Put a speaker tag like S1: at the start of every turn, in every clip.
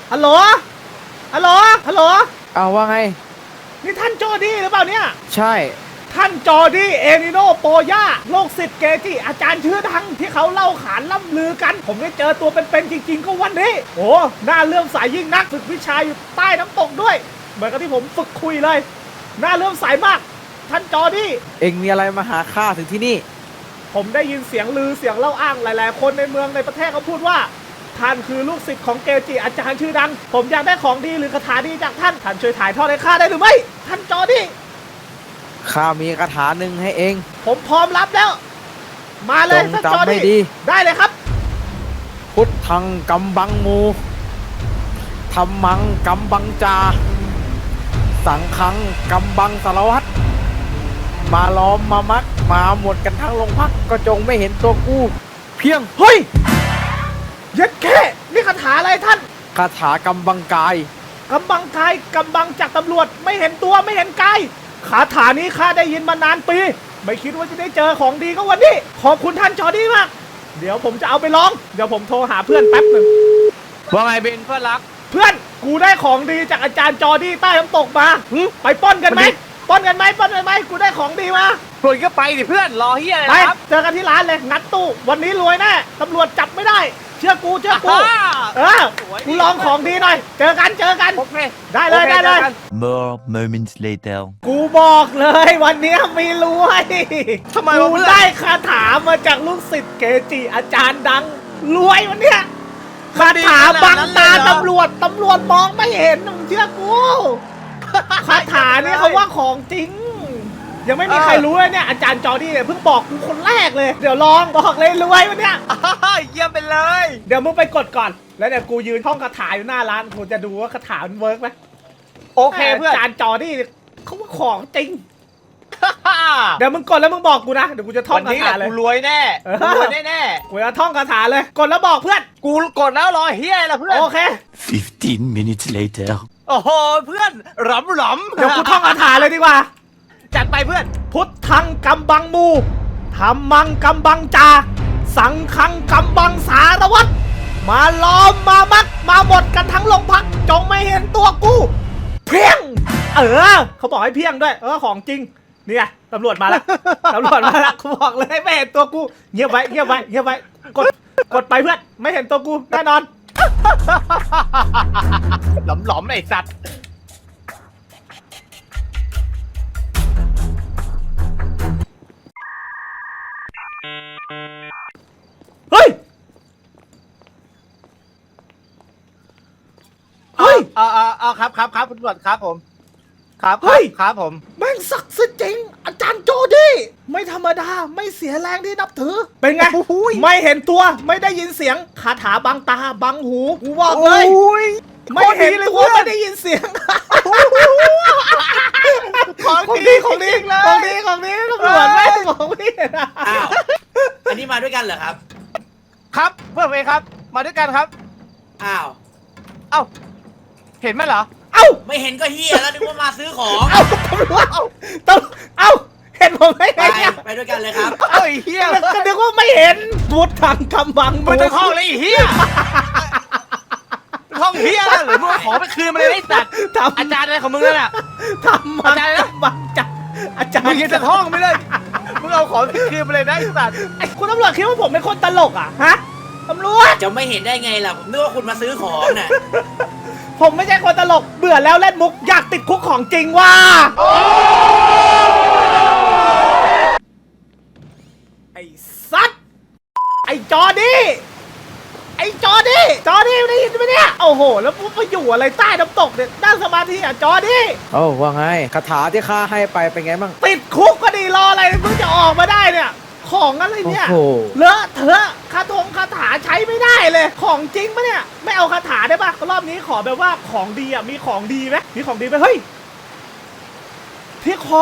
S1: ฮัลโหลฮัลโหลฮัลโหล
S2: เอาว่าไง
S1: นี่ท่านจอร์ดี้หรือเปล่าเนี่ย
S2: ใช่
S1: ท่านจอร์ดี้เอนิโนโปย่าโลกศิษย์เกจิอาจารย์ชื่อดังที่เขาเล่าขานล่ำลือกันผมได้เจอตัวเป็นๆจริงๆก็วันนี้โอ้หน้าเลื่อมใสยิ่งนักฝึกวิชาอยู่ใต้น้ำตกด้วยเหมือนกับที่ผมฝึกคุยเลยหน้าเลื่อมใสมากท่านจอร์ดี้
S2: เอ็งมีอะไรมาหาข้าถึงที่นี่
S1: ผมได้ยินเสียงลือเสียงเล่าอ้างหลายๆคนในเมืองในประเทศเขาพูดว่าท่านคือลูกศิษย์ของเกจิอาจารย์ชื่อดังผมอยากได้ของดีหรือคาถาดีจากท่านช่วยถ่ายทอดให้ข้าได้หรือไม่ท่านจอร์ดี้
S2: ข้ามีคาถาหนึ่งให้เอง
S1: ผมพร้อมรับแล้วมาเลยท่านจอร์ดี้ได้เลยครับ
S2: พุทธังกัมบังมูธัมมังกัมบังจาสังฆังกัมบังสารวัตรมาล้อมมามักมาหมดกันทั้งโรงพักก็จงไม่เห็นตัวกูเพียง
S1: เฮ้ยยัดแค่นี่คาถาอะไรท่าน
S2: คาถากำบังกาย
S1: กำบังกายกำบังจากตำรวจไม่เห็นตัวไม่เห็นกายคาถานี้ข้าได้ยินมานานปีไม่คิดว่าจะได้เจอของดีก็วันนี้ขอบคุณท่านจอร์ดี้มากเดี๋ยวผมจะเอาไปลองเดี๋ยวผมโทรหาเพื่อนแป๊บหนึ่ง
S2: ว่าไงเบนเพื่อนรัก
S1: เพื่อนกูได้ของดีจากอาจารย์จอร์ดี้ใต้น้ำตกมาไปป้อนกันไหมป้อนกันไหมกูได้ของดีมา
S2: ปลุยก็ไปดิเพื่อนรอเฮียอะไรครับ
S1: เจอกันที่ร้านเลยงัดตู้วันนี้รวยแน่ตำรวจจับไม่ได้เชื่อกูกูลองของดีหน่อยเจอกัน
S2: โอเค
S1: ได้เลย
S3: More moments later
S1: กูบอกเลยวันนี้มีรวย
S2: ทำไม
S1: กูได้คาถามาจากลูกศิษย์เกจิอาจารย์ดังรวยวันเนี้ยคาถาบังตาตำรวจมองไม่เห็นมึงเชื่อกูคาถาเนี่ยเขาว่าของจริงยังไม่มีใครรู้เลยเนี่ยอาจารย์จอร์ดี้เนี่ยเพิ่งบอกกูคนแรกเลยเดี๋ยวลองบอกเลยรวยวันเนี้ย
S2: เยี่ยมไปเลย
S1: เดี๋ยวมึงไปกดก่อนแล้วเดี๋ยวกูยืนท่องคาถาอยู่หน้าร้านกูจะดูว่าคาถามันเวิร์กไหม
S2: โอเคเพื่อน
S1: อาจารย์จอร์ดี้เขาว่าของจริงเดี๋ยวมึงกดแล้วมึงบอกกูนะเดี๋ยวกูจะท่องคาถาเลย
S2: กูรวยแน่รวยแน่
S1: กูจะท่องคาถาเลยกดแล้วบอกเพื่อน
S2: กูกดแล้วรอเฮียอะไรเพื่อน
S1: โอเค
S3: 15 minutes later
S2: โอ้โหเพื่อนหลำ
S1: เดี๋ยวกูท่องคาถาเลยดีกว่า
S2: จัดไปเพื่อน
S1: พุทธังกัมบังมูธัมมังกัมบังจาสังฆังกัมบังสารวัตรมาล้อมมามัดมาหมดกันทั้งโรงพักจงไม่เห็นตัวกูเพียงเขาบอกให้เพียงด้วยของจริงนี่ไงตำรวจมาแล้วกูบอกเลยไม่เห็นตัวกูเงียบไว้กดไปเพื่อนไม่เห็นตัวกูแน่นอน
S2: หลำไอ้สัตว์
S1: เฮ้ย
S2: ครับตำรวจครับผมครับผม
S1: แม่งศักดิ์สิทธิ์จริงอาจารย์โจดี้ไม่ธรรมดาไม่เสียแรงที่นับถือเป็นไงไม่เห็นตัวไม่ได้ยินเสียงคาถาบังตาบังหูกูบอกเลยไม่เห็นตัวไม่ได้ยินเสียงของดีตำรวจไม่ของพี่
S4: อ้าวอันนี้มาด้วยกันเหรอครับ
S2: ครับเพื่อนเองครับมาด้วยกันครับ
S4: อ้าว
S2: เห็นไหมเหรอ
S4: ไม่เห็นก็เฮียแล้วนึกว่ามาซื้อของ
S1: ตำรวจเห็นผมไหม
S4: ไปด้วยกันเลยครับ
S1: เฮียก็นึกว่าไม่เห็นพุทธังกัมบัง
S2: มันจะห้องเลยเฮียห้องเฮียหรือมึงขอไปคืนมาเลยไอ้สัตว์อาจารย์อะไรของมึงนั่นแหละ
S1: ทำอาจารย์บังจัดอาจารย์
S2: มึงยังจะห้องไม่เลยมึงเอาของไปคืนมาเลยนะไอ้สัตว์
S1: คุณตำรวจคิดว่าผมเป็นคนตลกอ่ะฮะตำรวจ
S4: จะไม่เห็นได้ไงล่ะผมนึกว่าคุณมาซื้อของน่ะ
S1: ผมไม่ใช่คนตลกเบื่อแล้วเล่นมุกอยากติดคุกของจริงว่ะไอ้สัตว์ไอ้จอร์ดี้ได้ยินไหมเนี่ยโอ้โหแล้วมึงไปอยู่อะไรใต้น้ำตกเนี่ยนั่งสมาธิอ่ะจอร์ดี้
S2: ว่าไงคาถาที่ข้าให้ไปเป็นไงบ้าง
S1: ติดคุกก็ดีรออะไรเพิ่งจะออกมาได้เนี่ยของอะไรเนี่ยเลอะเทอะคาถาใช้ไม่ได้เลยของจริงปะเนี่ยไม่เอาคาถาได้ปะรอบนี้ขอแบบว่าของดีอ่ะมีของดีไหมเฮ้ยที่คอ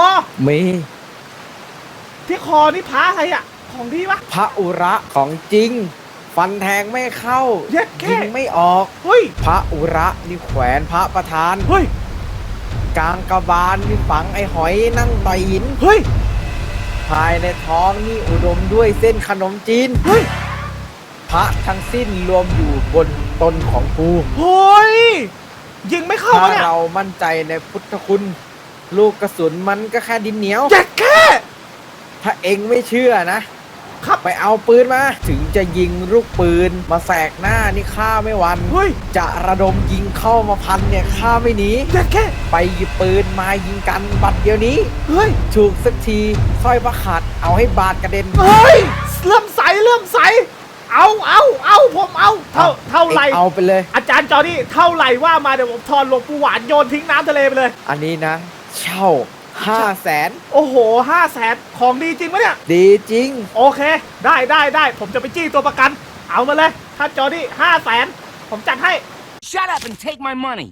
S1: ที่คอนี่พระอะไรอ่ะของดีปะ
S2: พระอุระของจริงฟันแทงไม่เข้ายิงไม่ออก
S1: เฮ้ย
S2: พระอุระนี่แขวนพระประธาน
S1: เฮ้ย
S2: กลางกระบาลนี่ฝังไอ้หอยนั่งต่อยหิน
S1: เฮ้ย
S2: ภายในท้องนี่อุดมด้วยเส้นขนมจีน
S1: เฮ้ยภ
S2: พระทั้งสิ้นรวมอยู่บนตนของกู
S1: เฮ้ยยิงไม่เข้า
S2: ถ้า
S1: เนี่ย
S2: เรามั่นใจในพุทธคุณ ลูกกระสุนมันก็แค่ดินเหนียว
S1: เจ็ดแค่
S2: ถ้าเองไม่เชื่อนะครับ ไปเอาปืนมา ถึงจะยิงลูกปืนมาแสกหน้านี่ข้าไม่หวัน
S1: เฮ้ย
S2: จะระดมยิงเข้ามาพันเนี่ยข้าไม่หนี
S1: เจ็ดแค่
S2: ไปหยิบปืนมายิงกันบัดเดียวนี้
S1: เฮ้ย
S2: ถูกสักทีสร้อยพระขาดเอาให้บาดกระเด็น
S1: เฮ้ยเริ่มใสเอาผมเอาเท่าไหร่
S2: เอาไปเลย
S1: อาจารย์จอนี่เท่าไหร่ว่ามาเดี๋ยวผมทอนหลวงปู่หวานโยนทิ้งน้ำทะเลไปเลย
S2: อันนี้นะ เช่า 500,000
S1: โอ้โห500,000ของดีจริงปะเนี่ย
S2: ดีจริง
S1: โอเค ได้ผมจะไปจี้ตัวประกัน เอามาเลยถ้าจอนี่500,000ผมจัดให้
S5: Shut up and take my money.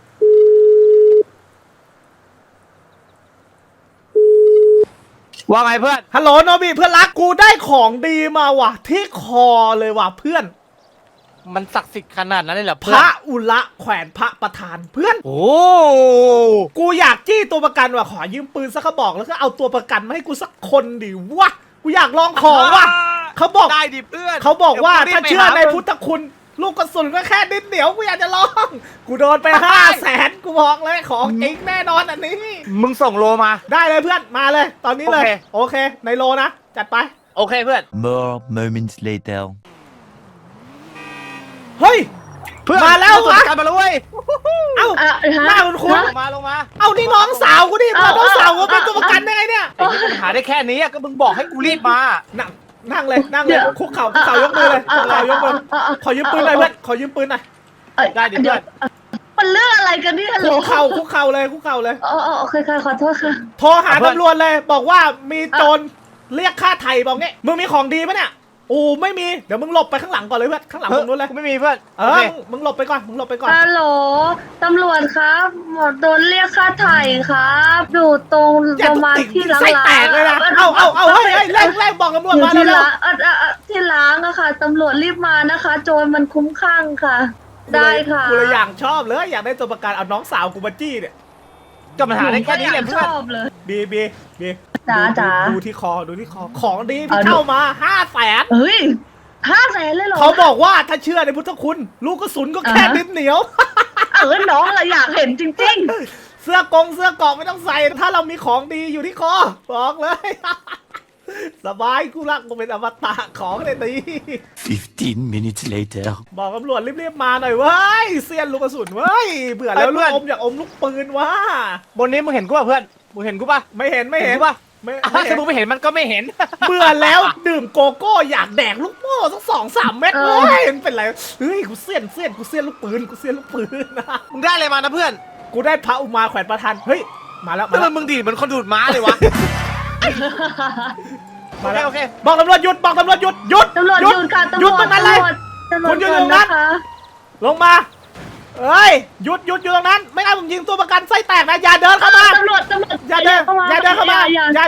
S2: ว่าไงเพื่อน
S1: ฮัลโหลโนบิเพื่อนรักกูได้ของดีมาว่ะ ที่คอเลยว่ะเพื่อน
S2: มันศักดิ์สิทธิ์ขนาดนั้นเลยเหรอ
S1: พ
S2: เพื่อน
S1: ระอุระแขวนพระประธานเพื่อน
S2: โอ้
S1: กูอยากจี้ตัวประกันว่ะขอยืมปืนสักกระบอกแล้วก็เอาตัวประกันมาให้กูสักคนดิวะกูอยากลองของว่ะเขาบอก
S2: ได้ดิเพื่อน
S1: เขาบอกว่า
S2: ดี๋ย
S1: ถ้า
S2: กูรีบไป
S1: เชื่อใน
S2: หมึง
S1: พุทธคุณ ลูกกระสุนก็แค่นิดเดียวกูอยากจะลอง กูโดนไป500,000กูบอกเลยของจริงแน่นอนอันนี้
S2: มึงส่งโลมา
S1: ได้เลยเพื่อนมาเลย ตอนนี้เลย โอเคในโลนะ จัดไป
S2: โอเคเพื่อน
S3: More moments later.
S1: เฮ้ย
S2: เพื่อน
S1: มาแล้ว
S2: ส่ง
S1: วะ
S2: กันมาแล้วเว้ย
S1: เอ้าหน้าคุณคุณ
S2: ลงมา
S1: เอ้านี่น้องสาวกูดิพาน้องสาวกูเป็นตัวประกันได้ไงเนี่ย
S2: ไอ้ที่ปัญหาได้แค่นี้อะก็มึงบอกให้กูรีบมา
S1: นั่งเลยคุกเข่ายกมือเลยคุกเข่ายกมือขอยืมปืนหน่อยเพื่อนขอยืมปืนหน่อย
S2: ได้ดิเพื่อน
S6: มันเรื่องอะไรกันเนี่ยเหร
S1: คุ
S6: อก
S1: เข่าเลย
S6: อ๋อโอเคค่ะขอโทษค่ะ
S1: โทรหาตำรวจเลย บอกว่ามีโจรเรียกค่าไถ่บอกงี้มึงมีของดีปะเนี่ยโอ้ไม่มีเดี๋ยวมึงหลบไปข้างหลังก่อนเลยเพื่อนข้างหลังตรงนู้นเลย
S2: กูไม่มีเพื่อน
S1: เออมึงหลบไปก่อน
S6: ฮัลโหลตำรวจครับหมดโดนเรียกค่าไถ่ครับอยู่ตรง
S1: อย่า
S6: ประมาณ
S1: ติด
S6: ที่ล้าง
S1: ไส้แตกเลยนะเอาเฮ้ยแรงบอกตำรวจ
S6: อยู่
S1: มา
S6: ที่
S1: แล้ว
S6: ล้างที่ล้างอะค่ะตำรวจรีบมานะคะ โจรมันคุ้มข้างค่ะ ได้ค่ะ
S1: กูเลยอย่างชอบเลยอยากได้ตัวประกันเอาน้องสาวกูมาจี้เนี่ย
S2: ก็ปัญหาได้แค่นี้แหละ
S6: ช
S2: เพื่อน
S6: อบเลย
S1: บี
S6: จ๋า
S1: ดูที่คอของดีพี่เข้ามา500,000
S6: เฮ้ย500,000เลยเหรอ
S1: เขาบอกว่าถ้าเชื่อในพุทธคุณ ลูกกระสุนก็แค่ดินเหนียว
S6: น้องเราอยากเห็นจริง
S1: เสื้อเกราะไม่ต้องใส่ ถ้าเรามีของดีอยู่ที่คอบอกเลย สบายกูรักกูเป็นอมตะของเลยตี
S3: 15 minutes later.
S1: บอกตำรวจรีบๆมาหน่อยเว้ยเซียนลูกกระสุนเว้ยเบื่อแล้วลูกอมอยากอมลูกปืนว่ะ
S2: บนนี้มึงเห็นกูป่ะเพื่อนมึงเห็นกูป่ะ
S1: ไม่เห็น
S2: กูป่ะ
S1: ไม่
S2: ถ้า
S1: เห็น
S2: มึงไม่เห็นมันก็ไม่เห็น
S1: เบื่อแล้วดื่มโกโก้อยากแดกลูกโม่สัก2-3 เม็ดเว้ยมันเป็นไรเฮ้ยกูเซียนลูกปืนนะ
S2: มึงได้อะไรมานะเพื่อน
S1: กูได้พระอุมาแขวนประธานเฮ้ยมาแล้ว
S2: ทำไมมึงดีดเหมือนคนดูดม้าเลยวะ
S1: มาแล้ว
S2: โอเค
S1: บอกตำรวจหยุด
S6: ๆตำรวจหยุดค่ะตำร
S1: หยุด
S6: วจ
S1: ตรงนั้นเลย คุณหยุดตรงนั้น
S6: นะคะ
S1: ลงมาเอ้ยหยุดอยู่ตรงนั้น ไม่งั้นผมยิงตัวประกันไส้แตกนะอย่าเดินเข้ามา
S6: ตำรวจ
S1: อย่าเดินเข้ามา
S6: อย่า
S1: อย่าเดินเข้ามาไม่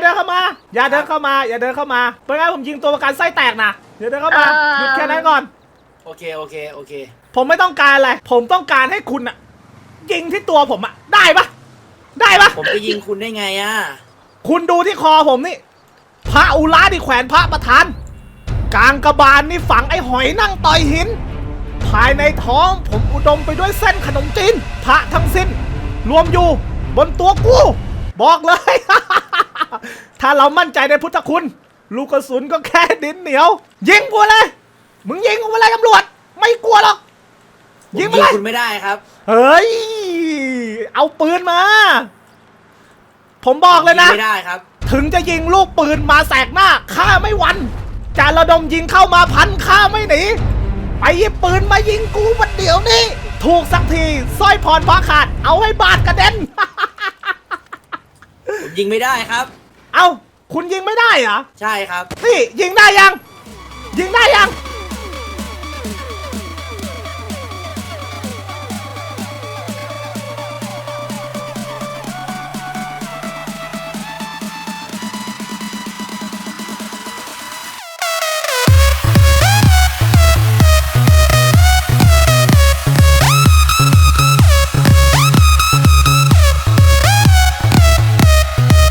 S1: งั้นผมยิงตัวประกันไส้แตกนะอย่าเดินเข้ามาหยุดแค่นั้นก่อน
S4: โอเค
S1: ผมไม่ต้องการอะไรผมต้องการให้คุณอะยิงที่ตัวผมอะได้ปะ
S4: ผมจะยิงคุณได้ไงอ่ะ
S1: คุณดูที่คอผมนี่พระอุระที่แขวนพระประธานกลางกระบาลนี่ฝังไอ้หอยนั่งต่อยหิน ภายในท้องผมอุดมไปด้วยเส้นขนมจีนพระทั้งสิ้น รวมอยู่บนตัวกูบอกเลย ถ้าเรามั่นใจในพุทธคุณ ลูกกระสุนก็แค่ดินเหนียว ยิงกูเลย มึงยิงกูไปเลยตำรวจ ไม่กลัวหรอก
S4: ผม
S1: ยิ
S4: ยิ
S1: ง
S4: ง
S1: ไปเลย
S4: คุณไม่ได้ครับ
S1: เฮ้ย เอาปืนมา ผมบอกเลยนะ
S4: ไม่ได้ครับ
S1: ถึงจะยิงลูกปืนมาแสกหน้าข้าไม่หวั่นจะระดมยิงเข้ามาพันข้าไม่หนีไปหยิบปืนมายิงกูมันเดี๋ยวนี้ ถูกสักทีสร้อยพรพระขาดเอาให้บาดกระเด็น
S4: ผมยิงไม่ได้ครับ
S1: เอาคุณยิงไม่ได้เหรอ
S4: ใช่ครับ
S1: นี่ยิงได้ยัง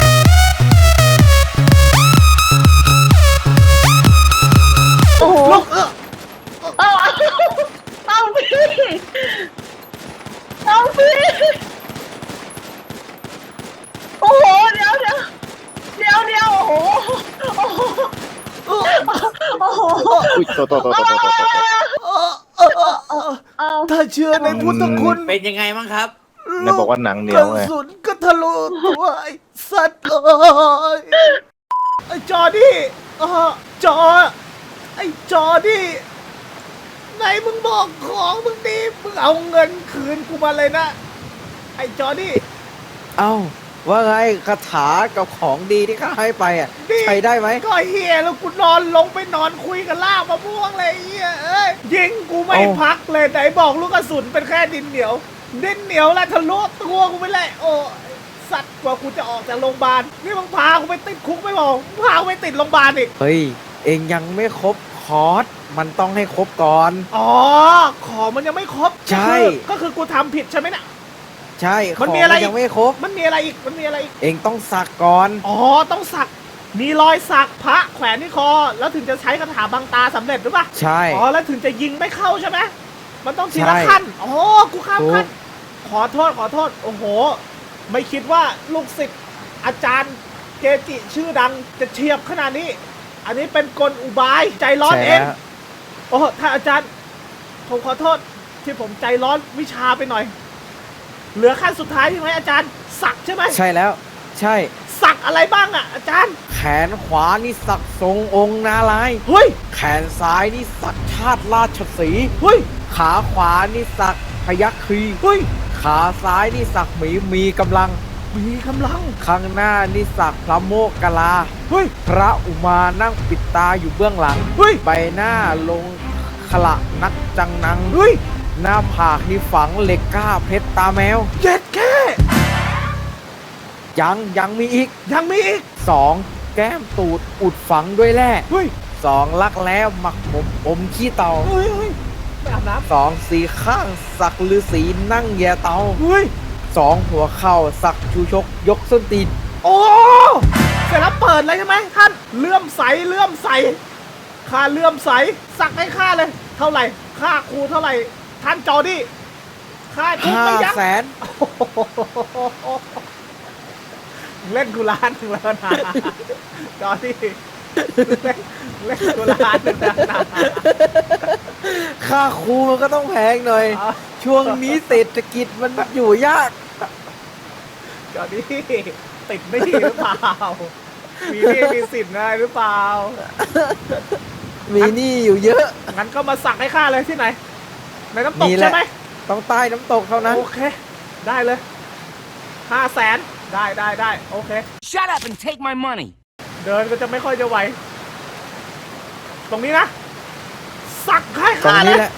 S6: โอ้โห
S1: ลูก
S2: อุ้ยโต
S6: เอา
S1: ถ้าเชื่อในพุทธคุณ
S4: เป็นยังไงบ้างครับ
S2: ไหนบอกว่าหนังเหนี
S1: ก
S2: ยว
S1: ระ
S2: ไง
S1: สุนก็ทะลุตัวไอ้สัตว์เลยไอ้จอดี้จอไอ้จอดี้ไหนมึงบอกของมึงดีมึงเอาเงินคืนกูมาเลยนะไอ้จอดี้
S2: เอ้าว่าไงคาถากับของดีที่ข้าให้ไปอ่ะ
S1: นี่
S2: ใช้ได้ไหม
S1: ก็เฮียแล้วกูนอนลงไปนอนคุยกับล่ามะม่วงเลยไอ้เฮียเอ้ยยิงกูไม่
S2: เอ้า
S1: พักเลยไหนบอกลูกกระสุนเป็นแค่ดินเหนียวดินเหนียวแล้วทะลุตัวกูไปเลยโอ้สัตว์กว่ากูจะออกจากโรงพยาบาลนี่มึงพากูไปติดคุกไม่บอกมึงพากูไปติดโรงพยาบาลอีก
S2: เฮ้ย เองยังไม่ครบคอร์สมันต้องให้ครบก่อน
S1: อ๋อของมันยังไม่ครบ
S2: ใช่
S1: ก็คือกูทำผิดใช่ไหมเนี่ย
S2: ใช่ข
S1: มัน
S2: อง
S1: มีอะไร
S2: มันยังไม่ครบ
S1: มันมีอะไรอีกมันมีอะไรอีก
S2: เองต้องสักก่อน
S1: อ๋อต้องสักมีรอยสักพระแขวนที่คอ แล้วถึงจะใช้คาถาบังตาสำเร็จหรือเปล่า
S2: ใช่
S1: อ๋อแล้วถึงจะยิงไม่เข้าใช่ไหมมันต้องทีละ
S2: ใช่
S1: ขั้นอ๋อกูข้าม
S2: ถูก
S1: ขั้นขอโทษโอ้โห ไม่คิดว่าลูกศิษย์อาจารย์เกจิชื่อดังจะเฉียบขนาดนี้ อันนี้เป็นกลอุบายใจร้อนเอง
S2: แฉะ
S1: โอ้ถ้าอาจารย์ผมขอโทษที่ผมใจร้อนวิชาไปหน่อย เหลือขั้นสุดท้ายใช่ไหมอาจารย์สักใช่ไหม
S2: ใช่แล้ว ใช่
S1: สักอะไรบ้างอ่ะอาจารย์
S2: แขนขวานี่สักทรงองค์นาลายณ์
S1: เฮ้ย
S2: แขนซ้ายนี่สักชาติราชสีห์
S1: เฮ้ย
S2: ขาขวานี่สักพยัคฆ์คี
S1: เฮ้ย
S2: ขาซ้ายนี่สักหมีมีกำลัง
S1: มีกำลัง
S2: ข้างหน้านี่สักพระโมกขลา
S1: เฮ้ย
S2: พระอุมานั่งปิดตาอยู่เบื้องหลัง
S1: เฮ้ย
S2: ใบหน้าลงขละนักจังนัง
S1: เฮ้ย
S2: หน้าผากนี่ฝังเหล็กกล้าเพชรตาแมว
S1: เย็ดแค่
S2: ยังมีอีก
S1: ยังมีอีก
S2: 2. แก้มตูดอุดฝังด้วยแร่
S1: เฮ้ย
S2: 2. ลักแร้หมักหมมอมขี้เต่า
S1: เฮ้ยเฮ้ยไม่อาบน้
S2: 2. สีข้างสักฤาษีนั่งแย่เตา
S1: ำเฮ้ย
S2: 2. หัวเข่าสักชูชกยกส้นตีน
S1: โอ้เสร็จแล้วเปิดเลยใช่ไหมท่านเลื่อมใสค่าเลื่อมใสสักให้ค่าเลย เท่าไหร่ค่าครูเท่าไหร่ท่านจอดี้ค่าทุกไม่ยั้ง
S2: 500,000
S1: เล่นกูล้านหนึ่งแล้วนะจอดี้เล่นกูล้านหนึ่งแล้วนะ
S2: ค่าครูมันก็ต้องแพงหน่อย
S1: อ๋อ
S2: ช่วงนี้เศรษฐกิจมันอยู่ยาก
S1: จอดี้ติดหนี้หรือเปล่ามีหนี้มีสินอะไรหรือเปล่า
S2: มีหนี้อยู่เยอะ
S1: งั้นก็มาสักให้ข้าเลยที่ไหนในน้ำตก
S2: นี่แหละ
S1: ใช่ไหม
S2: ต้องใต้น้ำตกเท่านั้น
S1: โอเค ได้เลย500,000ได้โอเค
S5: Shut up and take my money.
S1: เดินก็จะไม่ค่อยจะไหว ตรงนี้นะ สักให้
S2: ตรง
S1: ข้าเล
S2: นี้
S1: ย
S2: แหละ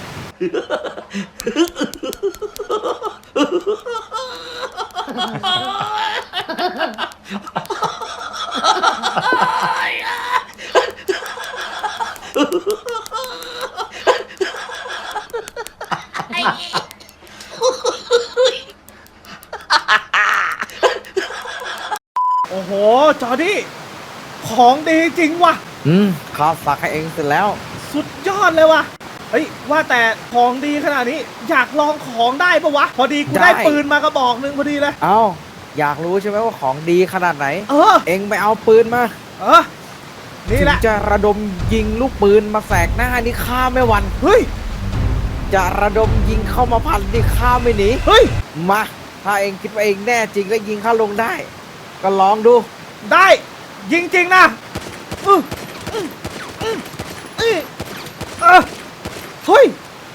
S1: โอ้โห จอดี้ ของดีจริงว่ะ
S2: ข้าสักให้เองเสร็จแล้ว
S1: สุดยอดเลยว่ะ เฮ้ย ว่าแต่ของดีขนาดนี้ อยากลองของได้ปะวะ พอดีกูได้
S2: ได้
S1: ปืนมากระบอกหนึ่งพอดีเลย
S2: เอ้า อยากรู้ใช่ไหมว่าของดีขนาดไหน
S1: เออ
S2: เองไปเอาปืนมา
S1: นี่
S2: ถึ
S1: แห
S2: ง
S1: ละ
S2: จะระดมยิงลูกปืนมาแสกหน้านี่ฆ่าไม่หวัน
S1: เฮ้ย
S2: จะระดมยิงเข้ามาพันนี่ฆ่าไม่หนี
S1: เฮ้ย
S2: มา ถ้าเองคิดว่าเองแน่จริงแล้วยิงเข้าลงได้ ก็ลองดู
S1: ได้ ยิงจริงนะอื้ออื้ออื้ออื้อเฮ้ย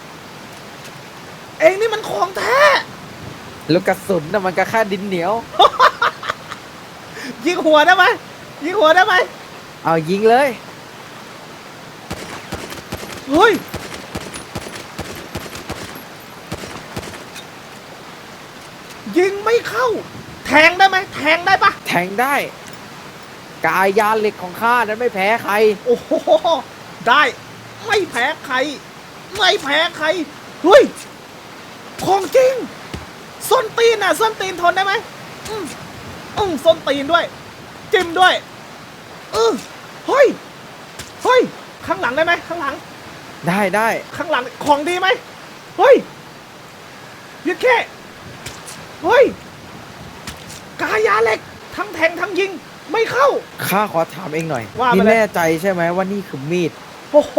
S1: เองนี่มันของแท้
S2: แล้วกระสุนน่ะมันก็แค่ดินเหนียว
S1: ยิงหัวได้ไหมยิงหัวได้ไหม
S2: เอายิงเลย
S1: เฮ้ย ยิงไม่เข้า แทงได้ไหมแทงได้ปะ
S2: แทงได้ กายยาเหล็กของข้านั้นไม่แพ้ใคร
S1: โอ้โห ได้ ไม่แพ้ใคร ไม่แพ้ใคร เฮ้ย ของจริง ส้นตีนน่ะ ส้นตีนทนได้ไหมส้นตีนด้วย จิ้มด้วยเฮ้ย เฮ้ย ข้างหลังได้ไหมข้างหลัง
S2: ได้
S1: ข้างหลังของดีไหมเฮ้ยยึดแค่เฮ้ย กายาเหล็ก ทั้งแทงทั้งยิง ไม่เข้า
S2: ข้าขอถามเองหน่อย
S1: ว่ามา
S2: นี่
S1: เลย
S2: แน่ใจใช่ไหมว่านี่คือมีด
S1: โอ้โห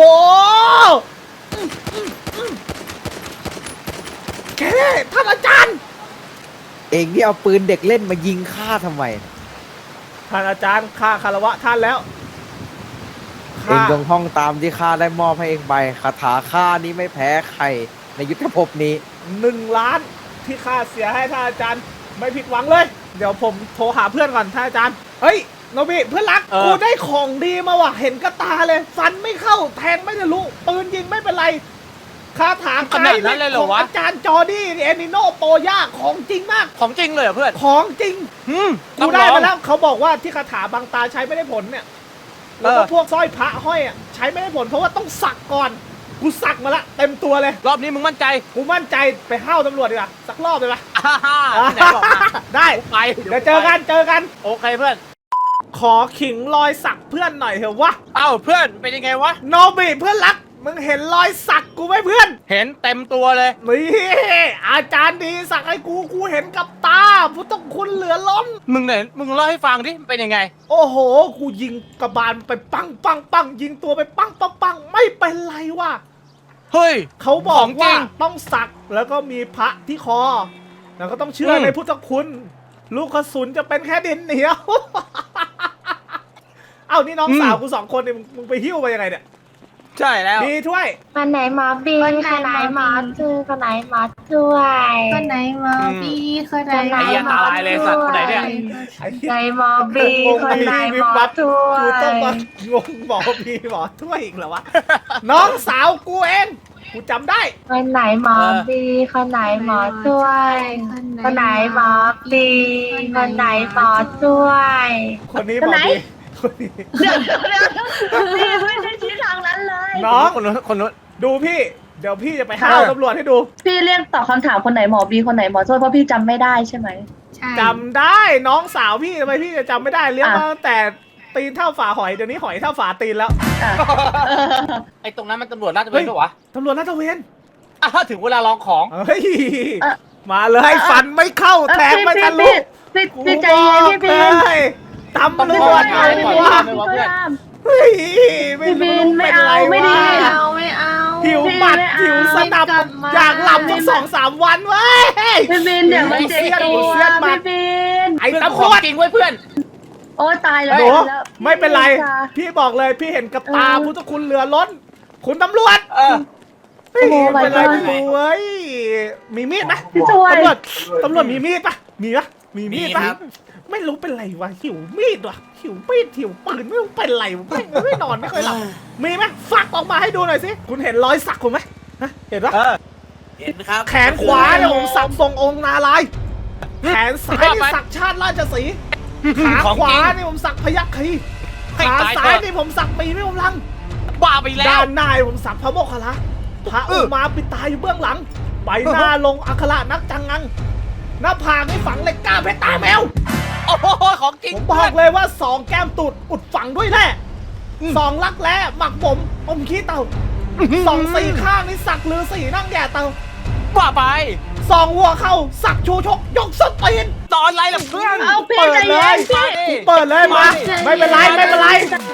S1: แกท่านอาจารย์
S2: เองที่เอาปืนเด็กเล่นมายิงข้าทำไม
S1: ท่านอาจารย์ข้าคารวะท่านแล้ว
S2: เองจงท่องตามที่ข้าได้มอบให้เองไปคาถาข้านี้ไม่แพ้ใครในยุทธภพนี้
S1: 1 ล้านที่ข้าเสียให้ท่านอาจารย์ไม่ผิดหวังเลย เดี๋ยวผมโทรหาเพื่อนก่อนท่านอาจารย์เฮ้ยโนบิเพื่อนรักกูได้ของดีมาว่ะเห็นกระตาเลย ฟันไม่เข้าแทงไม่ทะลุปืนยิงไม่เป็นไรคาถาไกลของอาจารย์จอร์ดี้เอนิโนโปย่าของจริงมาก
S7: ของจริงเลยเหรอเพื่อน
S1: ของจริง
S7: ต้
S1: กู
S7: องลอง
S1: ได้มาแล้วเขาบอกว่าที่คาถาบางตาใช้ไม่ได้ผลเนี่ยแล้วก็พวกสร้อยพระห้อยอ่ะใช้ไม่ได้ผลเพราะว่าต้องสักก่อนกูสักมาละเต็มตัวเลย
S7: รอบนี้มึงมั่นใจ
S1: กูมั่นใจไปห้าวตำรวจดีกว่าสักรอบเลยปะ
S7: ไหนบอกมา
S1: ได้
S7: ไป
S1: เดี๋ยวเจอกัน
S7: โอเคเพื่อน
S1: ขอขิงรอยสักเพื่อนหน่อยเถอะวะ
S7: เอ้าเพื่อนเป็นยังไงวะ
S1: โนบิเพื่อนรักมึงเห็นรอยสักกูไหมเพื่อน
S7: เห็นเต็มตัวเลย
S1: นี่อาจารย์ดีสักให้กูเห็นกับตาพุทธคุณเหลือล้น
S7: มึงไหนมึงเล่าให้ฟังดิมันเป็นยังไง
S1: โอ้โหกูยิงกระบาลไปปังยิงตัวไปปังไม่เป็นไรว่ะ
S7: เฮ้ย
S1: เขาบอ
S7: ข
S1: ก
S7: องจริ
S1: ว่าง ต้องสักแล้วก็มีพระที่คอ แล้วก็ต้องเชื่อในพุทธคุณ ลูกกระสุนจะเป็นแค่ดินเหนียว เอ้านี่น้องสาวกู2 คนเนี่ยมึงไปหิ้วไปยังไงเนี่ย
S7: ใช่แล้ว
S1: ดีถ้วย
S6: คนไหนหมอบีคนไหนหมอจูคนไหนหมอช่วย
S8: คนไหนมาบีคนไหน
S7: ไอ้เหี้ยตาลายเลยสัตว์คนไหนเนี่ย
S6: คนไหนหมอบีคนไหนหมอช่ว
S1: กูต้องมาย งงหมอพีหมอถ้วยอีกเหรอวะ น้องสาวกูเองกูจำได้
S6: คนไหนหมอบีคนไหนหมอช่วยคนไหนหมอบีคนไหนหมอช่วย
S1: คนนี้หมอพีคนนี้
S6: พี่ไม่ได้ชี้ทางนั้นเลย
S1: น้อง
S7: คนนู้นคนนู้น
S1: ดูพี่ เดี๋ยวพี่จะไปห้าวตำรวจให้ดู
S6: พี่เรียกตอบคำถามคนไหนหมอบีคนไหนหมอช่วยเพราะพี่จำไม่ได้ใช่ไหม
S8: ใช่
S1: จำได้น้องสาวพี่ทำไมพี่จะจำไม่ได้เลี้ยงมาตั้งแต่ตีนเท่าฝาหอยเดี๋ยวนี้หอยเท่าฝาตีนแล้ว
S7: ไอ้ตรงนั้นมันตำรวจน่าจะเป็นปะวะ
S1: ตำรวจลาดตระเวน
S7: อ้าวถึงเวลาลองของ
S1: เฮ้ยมาเลยฟันไม่เข้าแทงไม่ทะลุ
S6: พี่ใจเย็นพี่บีน
S1: เฮ้ยตำรวจ
S7: ไม่
S1: ไอ้
S7: เอา
S1: วะ
S7: ไม่เอา
S1: เฮ้ยไม่รู้เป็นไร
S6: ไม่ดี
S1: วะ
S8: ไม่เอา
S1: หิวบัตรหิวสนับอยากหลับสัก2-3 วันเว้ย
S6: พี่บีนเดี๋ยวมันเจ็บตัว
S1: พี่
S6: พี่บีน
S1: ไอ้
S7: เพื่อน
S1: ตำ
S7: ข
S1: ร
S7: อง
S1: วจ
S7: จริงเว้ยเพื่อน
S6: โอ้ตายแล้ว
S1: หนูไม่เป็นไร พี่บอกเลยพี่เห็นกับตาพุทธคุณเหลือล้น คุณตำรวจ
S7: เออ
S1: เฮ้ยเป็นไรกูเว้ยมีมีดไหม
S6: พี่ช่วย
S1: ตำรวจมีมีดปะมีปะมีมีดปะ
S7: มีครับ
S1: ไม่รู้เป็นไรวะหิวมีดวะหิวมีดหิวปืนไม่รู้เป็นไรวะไม่นอนไม่เคยหลับมีไหมฝักออกมาให้ดูหน่อยสิคุณเห็นรอยสักคุณไหมฮะเห็นปะ
S4: เห็นครับ
S1: แขนขวาเนี่ยผมสักทรงองค์นาลายณ์แขนซ้ายนี่สักชาติราชสีห์ขา
S7: ของ
S1: ขวา
S7: จริง
S1: นี่ผมสักพยัคฆ์คี
S7: ให้
S1: ขา
S7: ตาย
S1: ซ้า
S7: เถ
S1: ย
S7: อะ
S1: นี่ผมสักปีไม่ผมลัง
S7: บ้าไปแล้
S1: ด้า
S7: วน
S1: หน้าผมสักพระโมคคัลลาพระอุมาปิดตาอยู่เบื้องหลัง ใบหน้าลงอัคระนักจังงัง หน้าผากนี่ฝังเหล็กกล้าเพชรตาแมว
S7: โอ้โหของจริง
S1: ผมบอกเลยว่า2 แก้มตูดอุดฝังด้วยแร่2 ลักแร้หมักผมอมขี้เต่า2 4 ข้างนี่สักลือ4นั่งแย่เต่า
S7: บ้าไป
S1: 2 หัวเข่าสักชูชกยกสตีน
S7: ตอนไรล่ะเพื่อน
S6: เอาพี่
S1: เปิด
S6: ใจ
S1: เล
S6: เย็
S1: ย
S6: นพี่
S1: เปิดเลยมาไม่เป็นไรไม่เป็นไร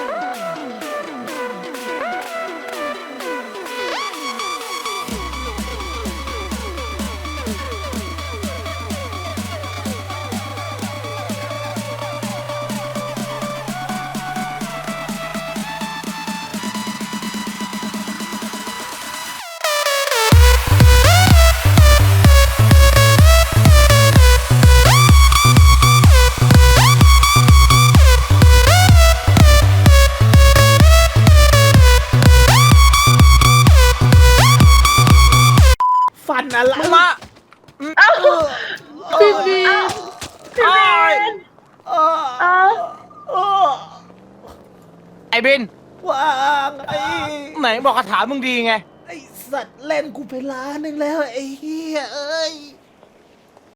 S1: ฟันอะไร
S7: มึงมา
S6: พี่บีน
S7: อ้าย
S1: เออ
S6: เอา
S1: เออ
S7: ไอ้บิน
S1: วางไอ้
S7: ไหนบอกคาถามึงดีไง
S1: ไอ้สัตว์เล่นกูไปล้านหนึ่งแล้วไอ้เหี้ยเอ้ย